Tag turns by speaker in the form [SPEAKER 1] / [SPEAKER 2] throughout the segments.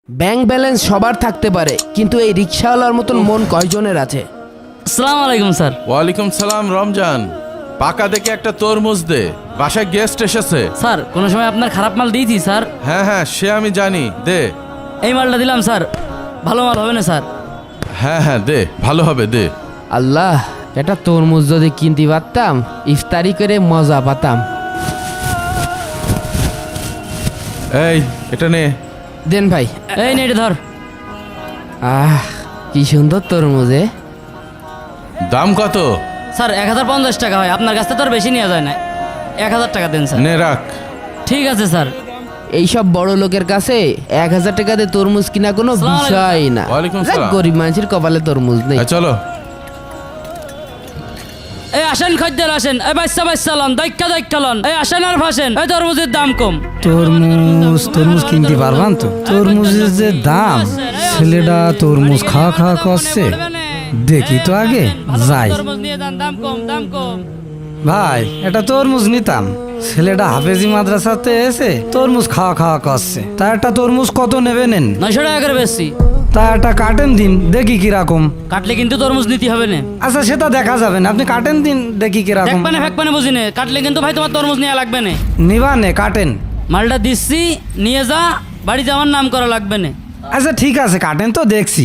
[SPEAKER 1] Bank balance সবার থাকতে পারে, কিন্তু এই রিক্সাওয়ালার মতন মন কয়জনের আছে?
[SPEAKER 2] আসসালামু আলাইকুম স্যার।
[SPEAKER 3] ওয়ালাইকুম সালাম রমজান। পাকা দেখে একটা তরমুজ দে, বাসায় গেস্ট এসেছে।
[SPEAKER 2] স্যার কোনো সময় আপনার খারাপ মাল দিয়েছি স্যার?
[SPEAKER 3] হ্যাঁ হ্যাঁ, সে আমি জানি, দে।
[SPEAKER 2] এই মালটা দিলাম স্যার, ভালো মাল হবে না স্যার?
[SPEAKER 3] হ্যাঁ হ্যাঁ দে, ভালো হবে, দে।
[SPEAKER 1] আল্লাহ, এটা তরমুজ যদি কিনতে পারতাম, ইফতারি করে মজা পাতাম।
[SPEAKER 3] এই এটা নে।
[SPEAKER 1] দেন ভাই।
[SPEAKER 2] এই নে এটা ধর।
[SPEAKER 1] কি সুন্দর তরমুজে।
[SPEAKER 3] দাম কত?
[SPEAKER 2] স্যার 1050 টাকা হয়, আপনার কাছ থেকে তো আর বেশি নেওয়া যায় না। 1000 টাকা দেন স্যার।
[SPEAKER 3] নে রাখ।
[SPEAKER 2] ঠিক আছে স্যার।
[SPEAKER 1] এইসব বড় লোকের কাছে 1000 টাকা দিয়ে তরমুজ কিনা কোনো
[SPEAKER 2] আসসালামু আলাইকুম।
[SPEAKER 1] বিষয় না।
[SPEAKER 3] ওয়ালাইকুম
[SPEAKER 1] যাক,
[SPEAKER 3] সালাম।
[SPEAKER 1] গরিব মানুষের কপালে তরমুজ নেই।
[SPEAKER 3] চলো।
[SPEAKER 2] এই আসেন খদ্দের আসেন, এই বাচ্চা লন, দাইক্কা লন, এই আসেন আর ভাসেন, এই তরমুজের দাম কম।
[SPEAKER 4] তরমুজ কিনতে পারবান তো? তরমুজের যে দাম, ছেলেটা তরমুজ খাওয়া খাওয়া করছে। দেখি তো আগে যাই।
[SPEAKER 2] তরমুজ নিয়ে যান, দাম কম, দাম কম।
[SPEAKER 4] ভাই, এটা তরমুজ নিতাম। ছেলেটা হাফেজি মাদ্রাসাতে এসে তরমুজ খাওয়া খাওয়া করছে। তা একটা তরমুজ কত নেবে নেন?
[SPEAKER 2] 900 টাকা করে বেশি।
[SPEAKER 4] তা একটা কাটেন দিন, দেখি কিরকম।
[SPEAKER 2] কাটলে কিন্তু তরমুজ নিতে হবে না।
[SPEAKER 4] আচ্ছা, সেটা দেখা যাবে না, আপনি কাটেন দিন, দেখি কিরকম।
[SPEAKER 2] ফেকপানে বুঝি না, কাটলে কিন্তু ভাই তোমার তরমুজ নেওয়া লাগবে না।
[SPEAKER 4] নিবা নে, কাটেন।
[SPEAKER 2] মালটা দিচ্ছি, নিয়ে যা, বাড়িতে আমার নাম করা লাগবে না।
[SPEAKER 4] আচ্ছা ঠিক আছে, কাটেন তো, দেখছি।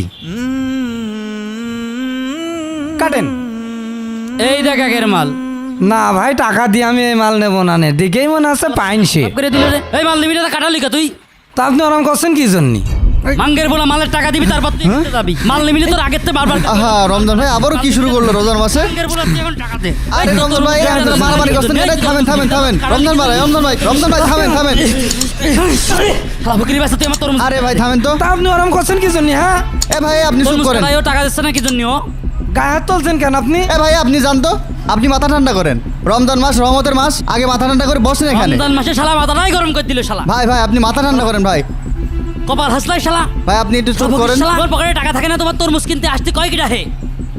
[SPEAKER 4] কাটেন।
[SPEAKER 2] এই দেখ একের মাল।
[SPEAKER 4] না ভাই, টাকা দিয়ে আমি এই মাল নেবো না। নে দেখেই মনে আছে পাইনসে।
[SPEAKER 2] করে দিল রে। এই মাল নিবি না, কাটালি কা তুই?
[SPEAKER 4] তা আপনি ওরম করছেন কি জন্যে?
[SPEAKER 2] মাঙ্গের বলা মালের টাকা দিবি, তারপর তুই কিনতে যাবি। মাল নিবি না, তোর আগের থেকে বারবার
[SPEAKER 5] আহা রমজান ভাই আবারও কি শুরু করলো রোজার মাসে?
[SPEAKER 2] মাঙ্গের বলা তুই এখন টাকা দে।
[SPEAKER 5] আরে রমজান ভাই আপনারা মারামারি করছেন কেন? থামেন থামেন থামেন। রমজান ভাই থামেন থামেন।
[SPEAKER 2] শালা বকরি বাচ্চা, তুই আমার তরমুজ।
[SPEAKER 5] আরে ভাই থামেন তো।
[SPEAKER 4] তা আপনি ওরম করছেন কি জন্যে? হ্যাঁ,
[SPEAKER 5] এ ভাই আপনি চুপ
[SPEAKER 2] তরমুজ
[SPEAKER 5] করেন।
[SPEAKER 2] কাটাইও টাকা দিচ্ছে না কি জন্য?
[SPEAKER 4] গায়ে হাত তুলছেন কেন আপনি?
[SPEAKER 5] এ ভাই আপনি জানতো, আপনি মাথা ঠান্ডা করেন। রমজান মাস রহমতের মাস, আগে মাথা ঠান্ডা করে বসেন এখানে।
[SPEAKER 2] রমজান মাসে শালা মাথাটাই গরম করে দিল শালা।
[SPEAKER 5] ভাই ভাই আপনি মাথা ঠান্ডা করেন ভাই।
[SPEAKER 2] কপাল হাসলাই শালা।
[SPEAKER 5] ভাই আপনি একটু চুপ করেন।
[SPEAKER 2] শালা আমার পকেটে টাকা থাকে না, তোমার তরমুজ কিনতে আসতে কয় কিটা হে?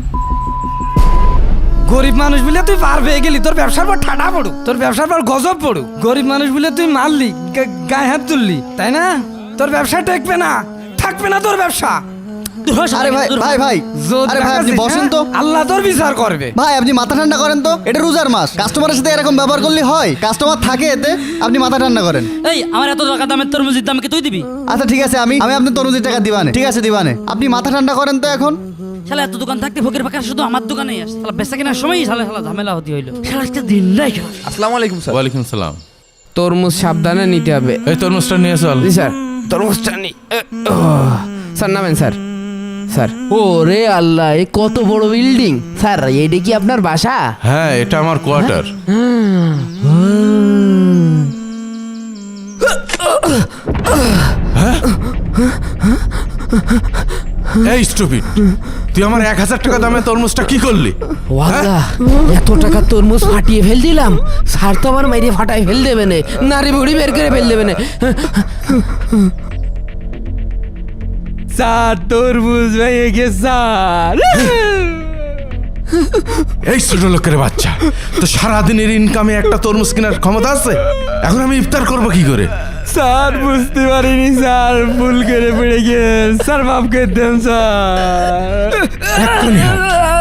[SPEAKER 4] গরিব মানুষ বলে তুই পার পেয়ে গেলি, তোর ব্যবসার পর ঠাডা পড়ু, তোর ব্যবসার পর গজব পড়ু। গরিব মানুষ বলে তুই মারলি, গায়ে হাত তুললি, তাই না? তোর ব্যবসা টেকবে না, থাকবে না তোর ব্যবসা।
[SPEAKER 5] আরে ভাই ভাই ভাই
[SPEAKER 4] যদি
[SPEAKER 5] আরে ভাই আপনি
[SPEAKER 4] দেখাচ্ছিস,
[SPEAKER 5] বসেন
[SPEAKER 4] হ্যাঁ?
[SPEAKER 5] তো।
[SPEAKER 4] আল্লাহ তোর বিচার করবে।
[SPEAKER 5] ভাই আপনি মাথা ঠান্ডা করেন তো, এটা রোজার মাস, কাস্টমারের সাথে এরকম ব্যবহার করলে হয়? কাস্টমার থাকে এতে, আপনি মাথা ঠান্ডা করেন।
[SPEAKER 2] এই আমার এত টাকা দামের তরমুজের দাম কি তুই দিবি?
[SPEAKER 5] আচ্ছা ঠিক আছে, আমি আপনার তরমুজের টাকা দিবানে। ঠিক আছে দিবানে, আপনি মাথা ঠান্ডা করেন তো এখন।
[SPEAKER 2] শালা এত দোকান থাকতে ফকির ফাঁকা শুধু আমার দোকানেই আসে। শালা বেচা কেনার সময়ই শালা ঝামেলা হতে হইলো। শালা একটা দিন নাই শালা।
[SPEAKER 6] আসসালামু আলাইকুম স্যার।
[SPEAKER 3] ওয়ালাইকুম সালাম।
[SPEAKER 1] তরমুজ সাবধানে নিতে হবে।
[SPEAKER 3] এই তরমুজটা নিয়ে চল।
[SPEAKER 1] জি স্যার, তরমুজটা নি। স্যার নামেন স্যার। স্যার, ও রে আল্লাহ, এ কত বড় বিল্ডিং! স্যার, এইটা কি আপনার বাসা?
[SPEAKER 3] হ্যাঁ, এটা আমার কোয়ার্টার। এই স্টুপিড, তুই আমার 1000 টাকা দামে তরমুজটা কি করলি?
[SPEAKER 1] ও আল্লাহ, এত টাকা তরমুজ ফাটিয়ে ফেল দিলাম। স্যার তো আমার মাইরে ফাটাই ফেল দেবে না, নারী বুড়ি বের করে ফেল দেবে না। স্যার, তরমুজ ভেঙে গেছে স্যার।
[SPEAKER 3] এই ছোট লোকের বাচ্চা, তো সারাদিনের ইনকামে একটা তরমুজ কেনার ক্ষমতা আছে? এখন আমি ইফতার করবো কি করে?
[SPEAKER 4] স্যার বুঝতে পারিনি স্যার, ভুল করে পড়ে গেল স্যার, মাফ করে দেন স্যার।
[SPEAKER 3] এক্ষুনি হাট।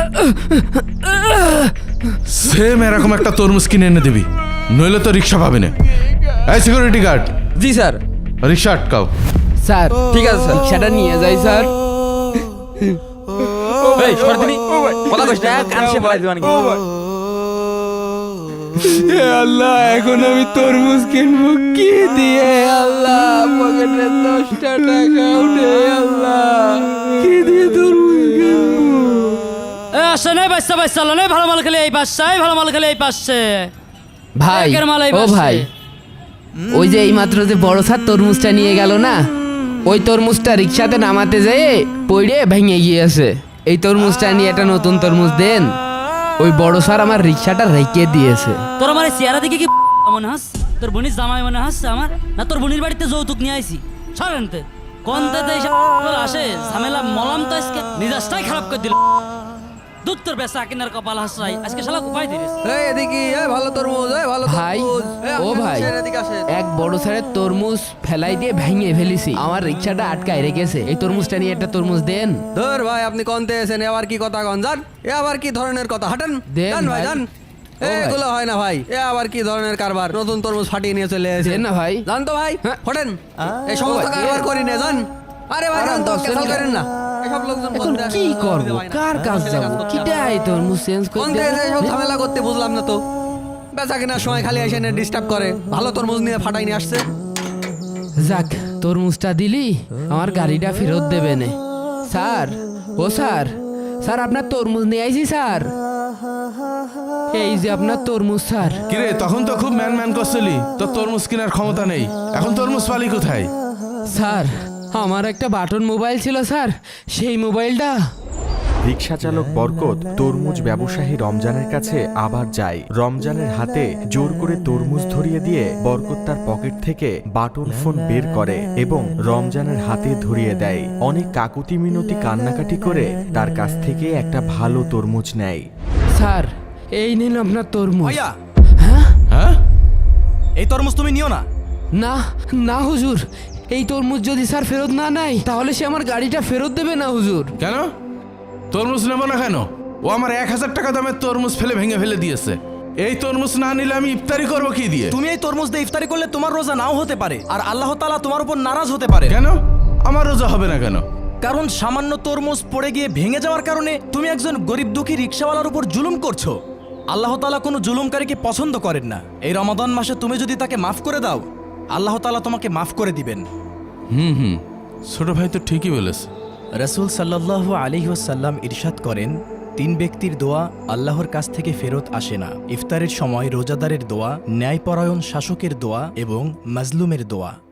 [SPEAKER 3] সেম এরকম একটা তরমুজ কিনে এনে দিবি, নইলে তো রিক্সা পাবে না। এই সিকিউরিটি গার্ড,
[SPEAKER 6] জি স্যার।
[SPEAKER 3] রিক্সা আটকাও।
[SPEAKER 1] স্যার
[SPEAKER 6] ঠিক আছে স্যার।
[SPEAKER 1] রিক্সাটা নিয়ে যাই স্যার।
[SPEAKER 6] এই সরদিনি কথা কইছ না, কান সে বলাই দিবানি।
[SPEAKER 1] হে আল্লাহ, এখন আমি তরমুজ কিনবো কি দিয়ে? আল্লাহ, পকেটে 10টা টাকা উঠে, আল্লাহ কি দিয়ে তরমুজ কিনবো?
[SPEAKER 2] এ আসে নাই বাচ্চা লনে, ভালো মাল খেলে এই পাশে, ভালো মাল খেলে এই পাশে।
[SPEAKER 1] ভাই,
[SPEAKER 2] একের মাল এই
[SPEAKER 1] ও
[SPEAKER 2] পাশে।
[SPEAKER 1] ভাই, ওই যে এইমাত্র যে বড় স্যার তরমুজটা নিয়ে গেল না, ওই তরমুজটা রিক্সাতে নামাতে যেয়ে পড়ে ভেঙে গিয়েছে। এই তরমুজটা নিয়ে একটা নতুন তরমুজ দেন। ওই বড় স্যার আমার রিক্সাটা রেখে দিয়েছে।
[SPEAKER 2] তোর আমার চেহারা দেখে কি মনে হাস? তোর বোনির জামাই মনে হাস আমার? না তোর বোনির বাড়িতে যৌতুক নিয়ে আইছি? সরেনতে কোন আসে ঝামেলা মলাম তো আজকে, মিজাজটাই খারাপ করে দিল। দুধ তোর বেচা কিনার কপাল হাসরাই আজকে শালা উপায় দিস
[SPEAKER 6] এই এদিকে এই ভালো তরমুজ এই ভালো
[SPEAKER 1] ভাই
[SPEAKER 6] তরমুজ
[SPEAKER 1] ও ভাই
[SPEAKER 6] এদিকে আসেন
[SPEAKER 1] এক বড় সারের তরমুজ ফেলাই দিয়ে ভেঙে ফেলেছি আমার রিক্সাটা আটকায় রেখেছে এই তরমুজটা নিয়ে একটা তরমুজ দেন
[SPEAKER 6] ধর ভাই আপনি কোনতে এসেন এবার কি কথা কন জান এ আবার কি ধরনের কথা হাঁটেন
[SPEAKER 1] দেন
[SPEAKER 6] জান ভাই
[SPEAKER 1] ভাই।
[SPEAKER 6] জান
[SPEAKER 1] ও ভাই।
[SPEAKER 6] এগুলো হয় না ভাই এ আবার কি ধরনের কারবার নতুন তরমুজ ফাটিয়ে নিয়ে চলে এসেছেন
[SPEAKER 1] দেন না ভাই
[SPEAKER 6] জান তো ভাই
[SPEAKER 1] হ্যাঁ।
[SPEAKER 6] ফোটেন এই সমস্ত
[SPEAKER 1] ভাই,
[SPEAKER 6] কারবার করি না জান আরে ভাই
[SPEAKER 1] আরে
[SPEAKER 6] জান তো
[SPEAKER 1] বসেন
[SPEAKER 6] কেসাল
[SPEAKER 1] না।
[SPEAKER 6] করেন না এসব লোকজন
[SPEAKER 1] এখন
[SPEAKER 6] বলতে আসে,
[SPEAKER 1] কি
[SPEAKER 6] অসুবিধা
[SPEAKER 1] করব
[SPEAKER 6] হয় না।
[SPEAKER 1] কার কাজ
[SPEAKER 6] ছেলে
[SPEAKER 1] যাব
[SPEAKER 6] করতে
[SPEAKER 1] কিটাই তরমুজ চেঞ্জ
[SPEAKER 6] কোন
[SPEAKER 1] করতে
[SPEAKER 6] থেকে এসব ঝামেলা করতে বুঝলাম না তো বেচা কেনার সময় খালি এসে ডিস্টার্ব করে ভালো তরমুজ নিয়ে ফাটাই নিয়ে আসছে
[SPEAKER 1] যাক তরমুজটা দিলি আমার গাড়িটা ফেরত দেবে নে স্যার ও স্যার স্যার আপনার তরমুজ নিয়ে আইছি স্যার এই যে আপনার তরমুজ স্যার
[SPEAKER 3] কিরে তখন তো খুব ম্যান ম্যান করছিলি তোর তরমুজ কেনার ক্ষমতা নেই এখন তরমুজ পালি কোথায়?
[SPEAKER 1] স্যার আমার একটা বাটন মোবাইল ছিল স্যার সেই মোবাইলটা
[SPEAKER 7] রিকশা চালক বরকত তরমুজ ব্যবসায়ী রমজানের কাছে আবার যায়। রমজানের হাতে জোর করে তরমুজ ধরিয়ে দিয়ে বরকত তার পকেট থেকে বাটন ফোন বের করে এবং রমজানের হাতে ধরিয়ে দেয়। অনেক কাকুতি মিনতি কান্নাকাটি করে তার কাছ থেকে একটা ভালো তরমুজ নেয়।
[SPEAKER 1] স্যার এই নিন আপনার তরমুজ
[SPEAKER 8] ভাইয়া
[SPEAKER 3] হ্যাঁ
[SPEAKER 8] এই তরমুজ তুমি নিও না।
[SPEAKER 1] না না হুজুর এই তরমুজ যদি স্যার ফেরত না নেয় তাহলে সে আমার গাড়িটা ফেরত দেবে না হুজুর
[SPEAKER 3] কেন তরমুজ নেবো না কেন? ও আমার 1000 টাকা দামের তরমুজ ভেঙে ফেলে দিয়েছে। এই তরমুজ না নিলে আমি ইফতারি করবো কি দিয়ে?
[SPEAKER 8] তুমি এই তরমুজ দিয়ে ইফতারি করলে তোমার রোজা নাও হতে পারে আর আল্লাহ তাআলা তোমার উপর নারাজ হতে পারে।
[SPEAKER 3] কেন আমার রোজা হবে না কেন?
[SPEAKER 8] কারণ সামান্য তরমুজ পড়ে গিয়ে ভেঙে যাওয়ার কারণে তুমি একজন গরিব দুঃখী রিকশাওয়ালার উপর জুলুম করছো। আল্লাহ তাআলা কোনো জুলুমকারীকে পছন্দ করেন না। এই রমাদান মাসে তুমি যদি তাকে মাফ করে দাও আল্লাহ তাআলা তোমাকে মাফ করে দিবেন।
[SPEAKER 3] ছোট ভাই তো ঠিকই বলেছে।
[SPEAKER 8] রাসূল সাল্লাল্লাহু আলাইহি ওয়াসাল্লাম ইরশাদ করেন, 3 ব্যক্তির দোয়া আল্লাহর কাছ থেকে ফেরত আসে না। ইফতারের সময় রোজাদারের দোয়া, ন্যায়পরায়ণ শাসকের দোয়া এবং মাজলুমের দোয়া।